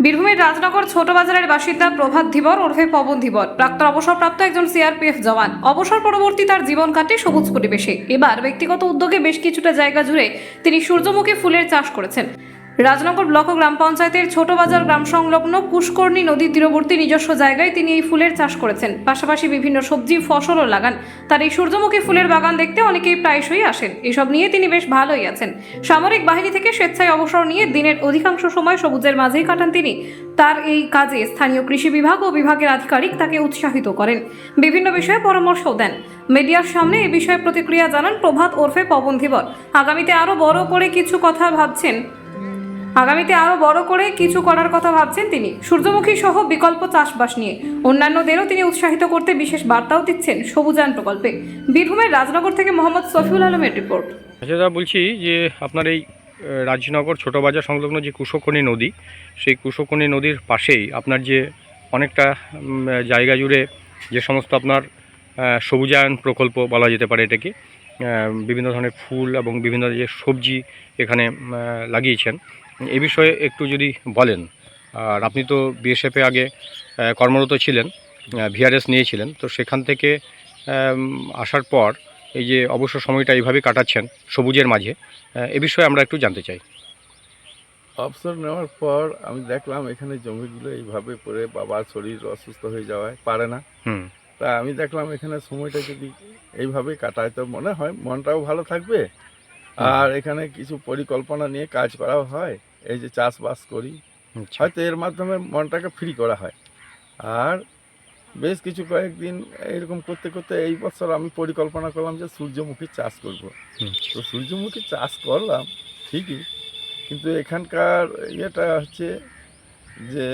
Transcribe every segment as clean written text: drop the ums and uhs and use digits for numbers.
বীরভূমের রাজনগর ছোট বাজারের বাসিন্দা প্রভাত ধীবর ওরফে পবন ধীবর প্রাক্তন অবসরপ্রাপ্ত একজন সিআরপিএফ জওয়ান। অবসর পরবর্তী তার জীবন কাটে সবুজ পরিবেশে। এবার ব্যক্তিগত উদ্যোগে বেশ কিছুটা জায়গা জুড়ে তিনি সূর্যমুখী ফুলের চাষ করেছেন। রাজনগর ব্লক ও গ্রাম পঞ্চায়েতের ছোট বাজার গ্রাম সংলগ্ন পুষ্করণী নদীর তীরবর্তী নিজস্ব জায়গায় তিনি এই ফুলের চাষ করেছেন। পাশাপাশি বিভিন্ন সবজি ফসলও লাগান। তার এই সূর্যমুখী ফুলের বাগান দেখতে অনেকেই প্রায়শই আসেন। এসব নিয়ে তিনি বেশ ভালোই আছেন। সামরিক বাহিনী থেকে স্বেচ্ছায় অবসর নিয়ে দিনের অধিকাংশ সময় সবুজের মাঝেই কাটান তিনি। তার এই কাজে স্থানীয় কৃষি বিভাগ ও বিভাগের আধিকারিক তাকে উৎসাহিত করেন, বিভিন্ন বিষয়ে পরামর্শও দেন। মিডিয়ার সামনে এ বিষয়ে প্রতিক্রিয়া জানান প্রভাত ওরফে পবন ধীবর। আগামীতে আরো বড় করে কিছু করার কথা ভাবছেন তিনি। সূর্যমুখী সহ বিকল্প চাষবাস নিয়ে অন্যান্যদেরও তিনি উৎসাহিত করতে বিশেষ বার্তাও দিচ্ছেন সবুজায়ন প্রকল্পে। বীরভূমের রাজনগর থেকে মোহাম্মদ সফিউল আলমের রিপোর্ট। আচ্ছা দাদা, বলছি যে আপনার এই রাজনগর ছোট বাজার সংলগ্ন যে কুশকর্ণী নদী, সেই কুশকর্ণী নদীর পাশেই আপনার যে অনেকটা জায়গা জুড়ে যে সমস্ত আপনার সবুজায়ন প্রকল্প বলা যেতে পারে এটাকে, বিভিন্ন ধরনের ফুল এবং বিভিন্ন যে সবজি এখানে লাগিয়েছেন, এ বিষয়ে একটু যদি বলেন। আর আপনি তো বিএসএফে আগে কর্মরত ছিলেন, ভিআরএস নিয়েছিলেন, তো সেখান থেকে আসার পর এই যে অবসর সময়টা এইভাবে কাটাচ্ছেন সবুজের মাঝে, এ বিষয়ে আমরা একটু জানতে চাই। অবসর নেওয়ার পর আমি দেখলাম এখানে জমিগুলো এইভাবে পড়ে বাবার শরীর অসুস্থ হয়ে যাওয়ায় পারে না। তা আমি দেখলাম এখানে সময়টা যদি এইভাবে কাটায় তো মনে হয় মনটাও ভালো থাকবে, আর এখানে কিছু পরিকল্পনা নিয়ে কাজ করাও হয়। এই যে চাষবাস করি, হয়তো এর মাধ্যমে মনটাকে ফ্রি করা হয়। আর বেশ কিছু কয়েকদিন এরকম করতে করতে এই বছর আমি পরিকল্পনা করলাম যে সূর্যমুখী চাষ করব। তো সূর্যমুখী চাষ করলাম ঠিকই, কিন্তু এখানকার ইয়েটা হচ্ছে যে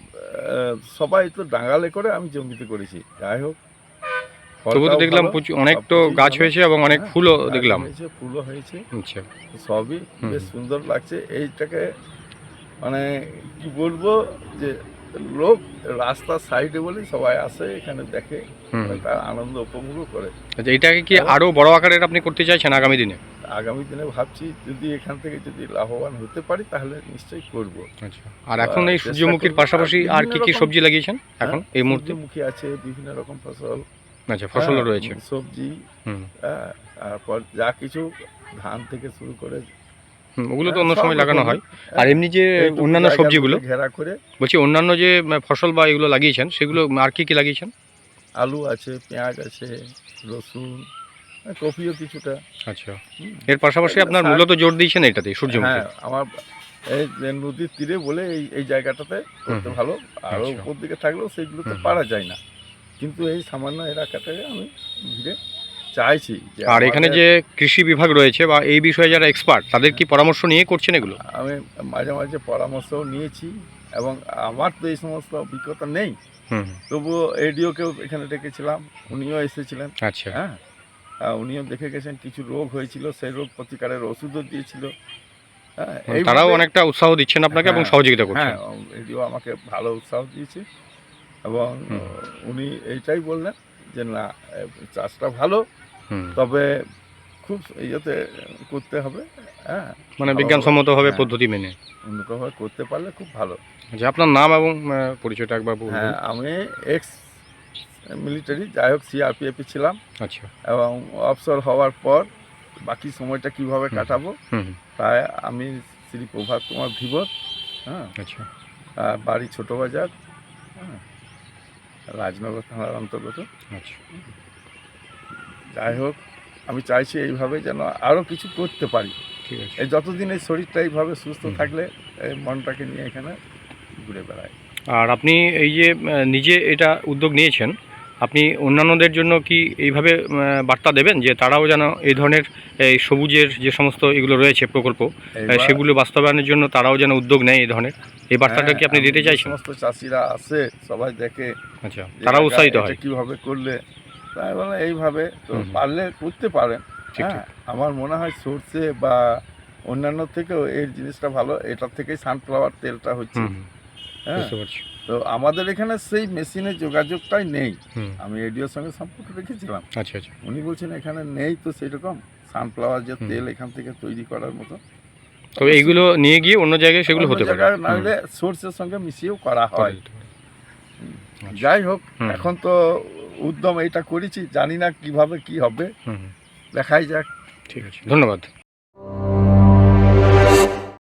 সবাই তো ডাঙালে করে আমি জমিতে করেছি। যাই হোক, তবু তো দেখলাম অনেক তো গাছ হয়েছে এবং অনেক ফুলও দেখলাম। ফুলও হয়েছে, আচ্ছা, সবই বেশ সুন্দর লাগছে। এইটাকে মানে কি বলবো, যে লোক রাস্তার সাইডে বলে সবাই আসে এখানে দেখে, তার আনন্দ উপভোগ করে। আচ্ছা, এটাকে কি আরো বড় আকারের আপনি করতে চাইছেন আগামী দিনে? আগামী দিনে ভাবছি যদি এখান থেকে যদি লাভবান হতে পারি তাহলে নিশ্চয়ই করব। আচ্ছা, আর এখন এই সূর্যমুখীর পাশাপাশি আর কি কি সবজি লাগিয়েছেন এখন এই মুহূর্তে? সূর্যমুখী আছে, বিভিন্ন রকম ফসল। আচ্ছা, ফসলও রয়েছে, সবজি, তারপর যা কিছু ধান থেকে শুরু করে ওগুলো তো অন্য সময় লাগানো হয়। আর এমনি যে অন্যান্য সবজিগুলো ঘেরা করে বলছি, অন্যান্য যে ফসল বা এগুলো লাগিয়েছেন সেগুলো আর কি কি লাগিয়েছেন? আলু আছে, পেঁয়াজ আছে, রসুন, কপিও কিছুটা। আচ্ছা, এর পাশাপাশি আপনার মূলত জোর দিয়েছেন এটাতে সূর্যমুখী? হ্যাঁ, আমার এই যে নদীর তীরে বলে এই জায়গাটাতে করতে ভালো। আরও উপর দিকে থাকলেও সেইগুলোতে পারা যায় না, কিন্তু এই সামান্য এলাকাটাকে আমি ঘিরে চাইছি। আর এখানে যে কৃষি বিভাগ রয়েছে বা এই বিষয়ে যারা এক্সপার্ট, তাদের কি পরামর্শ নিয়ে করছেন এগুলো? আমি মাঝে মাঝে পরামর্শও নিয়েছি, এবং আমার তো এই সমস্ত অভিজ্ঞতা নেই, তবুও এডিওকেও এখানে ডেকেছিলাম, উনিও এসেছিলেন। আচ্ছা, হ্যাঁ, উনিও দেখে গেছেন, কিছু রোগ হয়েছিল, সেই রোগ প্রতিকারের ওষুধও দিয়েছিল। তারাও অনেকটা উৎসাহ দিচ্ছেন আপনাকে এবং সহযোগিতা করছেন। হ্যাঁ, এডিও আমাকে ভালো উৎসাহ দিয়েছে, এবং উনি এইটাই বললেন যে না, চাষটা ভালো, তবে খুব ইয়েতে করতে হবে। হ্যাঁ, মানে বিজ্ঞানসম্মতভাবে পদ্ধতি মেনে উন্নতভাবে করতে পারলে খুব ভালো। আচ্ছা, আপনার নাম এবং পরিচয়টা একবার বলুন। হ্যাঁ, আমি এক্স মিলিটারি, যাই হোক সিআরপিএফে ছিলাম। আচ্ছা, এবং অবসর হওয়ার পর বাকি সময়টা কিভাবে কাটাবো, তাই আমি শ্রী প্রভাত কুমার ধীবর। হ্যাঁ, আচ্ছা, বাড়ি ছোট বাজার, হ্যাঁ, রাজনগর থানার অন্তর্গত। আচ্ছা, যাই হোক, আমি চাইছি এইভাবে যেন আরও কিছু করতে পারি। ঠিক আছে, এই যতদিন এই শরীরটা এইভাবে সুস্থ থাকলে এই মনটাকে নিয়ে এখানে ঘুরে বেড়াই। আর আপনি এই যে নিজে এটা উদ্যোগ নিয়েছেন, আপনি অন্যান্যদের জন্য কি এইভাবে বার্তা দেবেন যে তারাও যেন এই ধরনের এই সবুজের যে সমস্ত এগুলো রয়েছে প্রকল্প, সেগুলো বাস্তবায়নের জন্য তারাও যেন উদ্যোগ নেয় এই ধরনের, এই বার্তাটা কি আপনি দিতে চাইছেন? সমস্ত চাষিরা আসে, সবাই দেখে, আচ্ছা, তারা উৎসাহিত হয় কীভাবে করলে, তাই বলে এইভাবে তো পারলে করতে পারেন। হ্যাঁ, আমার মনে হয় সর্ষে বা অন্যান্য থেকেও এই জিনিসটা ভালো, এটার থেকেই সানফ্লাওয়ার তেলটা হচ্ছে। হ্যাঁ, তো আমাদের এখানে সেই মেশিনের যোগাযোগটাই নেই। আমি এডিওর সঙ্গে সম্পর্ক রেখেছিলাম। আচ্ছা, আচ্ছা, উনি বলছেন এখানে নেই তো সেরকম সানফ্লাওয়ার যে তেল এখান থেকে তৈরি করার মতো। তবে এইগুলো নিয়ে গিয়ে অন্য জায়গায় সেগুলো অন্য হতে পারে। জায়গায় না হলে সোর্সের সঙ্গে মিশিয়েও করা হয়। যাই হোক, হুম। এখন তো উদ্যম এইটা করেছি, জানি না কিভাবে কি হবে, হুম, দেখাই যাক। ঠিক আছে, ধন্যবাদ।